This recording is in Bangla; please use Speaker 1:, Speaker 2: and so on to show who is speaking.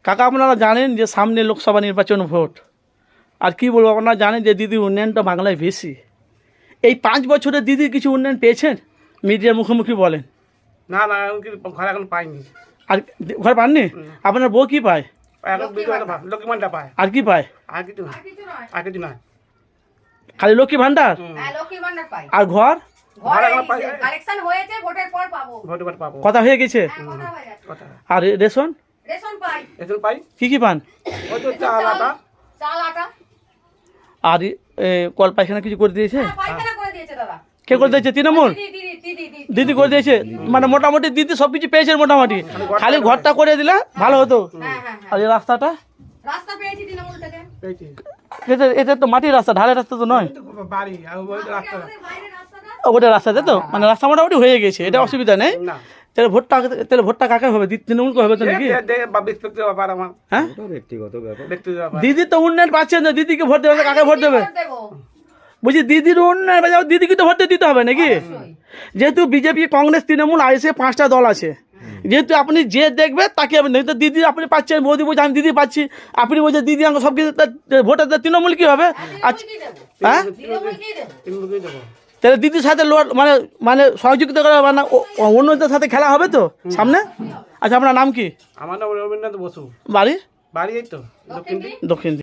Speaker 1: কাকা আপনারা জানেন যে সামনে লোকসভা নির্বাচন ভোট, আর কি বলবো, আপনারা জানেন যে দিদির উন্নয়নটা বাংলায় বেশি। এই 5 বছরে দিদির কিছু উন্নয়ন পেয়েছেন? মিডিয়ার মুখোমুখি বলেন।
Speaker 2: না না ঘর এখন পাইনি।
Speaker 1: আর ঘর পাননি? আপনার বউ কি পায়?
Speaker 2: এখন লক্ষ্মী ভান্ডার পায়,
Speaker 1: আর কি পায়?
Speaker 2: আর কিছু না, আর কিছু না।
Speaker 1: খালি লক্ষ্মী ভান্ডার
Speaker 3: লক্ষ্মী ভান্ডার পাই।
Speaker 1: আর ঘর
Speaker 2: ঘর এখন পাই,
Speaker 3: কালেকশন হয়েছে, ভোটের পর পাবো।
Speaker 2: ভোট ভোট পাবো।
Speaker 1: কথা হয়ে গেছে।
Speaker 3: কথা হয়ে গেছে।
Speaker 2: কথা
Speaker 1: আর রেশন
Speaker 3: রেশন পাই,
Speaker 2: এখন পাই,
Speaker 1: কি কি পান?
Speaker 2: ওই তো চাল আটা।
Speaker 3: চাল আটা।
Speaker 1: আর কল পায়খানা কিছু করে দিয়েছে?
Speaker 3: পায়খানা করে দিয়েছে দাদা।
Speaker 1: কে করে দিয়েছে? তৃণমূল
Speaker 3: দিদি
Speaker 1: দিদি করে দিয়েছে, মানে মোটামুটি দিদি সব কিছু পেয়েছেন মোটামুটি, খালি ঘরটা করে দিলে ভালো হতো।
Speaker 3: হ্যাঁ।
Speaker 1: আর এই রাস্তাটা
Speaker 3: রাস্তা পেয়েছি তৃণমূল থেকে।
Speaker 2: পেয়েছি।
Speaker 1: এটা তো মাটির রাস্তা, ঢালের রাস্তা তো নয়।
Speaker 2: তো বাড়ি আর ওই রাস্তা
Speaker 3: আমাদের বাইরের রাস্তাটা
Speaker 1: ওটা রাস্তাতে তো, মানে রাস্তা মোটামুটি হয়ে গেছে, এটা অসুবিধা নেই।
Speaker 2: না।
Speaker 1: তাহলে ভোটটা কাকে হবে? তৃণমূলকে হবে তো নাকি?
Speaker 2: ব্যক্তিগত ব্যাপার আমার,
Speaker 1: হ্যাঁ,
Speaker 2: ব্যক্তিগত ব্যাপার।
Speaker 1: দিদি তো উন্নয়ন পাচ্ছেন না, দিদিকে ভোট দেবে, কাকে ভোট দেবে?
Speaker 3: ভোট দেবো।
Speaker 1: বলছি দিদির উন্নয়ন, দিদিকে তো ভোট দিতে হবে নাকি?
Speaker 3: অবশ্যই।
Speaker 1: যেহেতু বিজেপি, কংগ্রেস, তৃণমূল, আইএসএ 5টা দল আছে, যেহেতু আপনি যে দেখবে তাকে আপনি, তো দিদি আপনি পাচ্ছেন, মোদি বলছে আমি দিদি পাচ্ছি, আপনি বলছেন দিদি আমাকে সব কিছু, ভোটের তৃণমূল কি হবে? আচ্ছা,
Speaker 3: তৃণমূলকেই দেবো।
Speaker 1: হ্যাঁ,
Speaker 3: তৃণমূলকেই দেবো।
Speaker 2: তৃণমূলকেই দেবো।
Speaker 1: তাহলে দিদির সাথে মানে সহযোগিতা করা, মানে অন্যদের সাথে খেলা হবে তো সামনে। আচ্ছা, আপনার নাম কি?
Speaker 2: আমার নাম রবীন্দ্রনাথ বসু।
Speaker 1: বাড়ি?
Speaker 2: বাড়ি এই তো দক্ষিণ
Speaker 1: দক্ষিণ।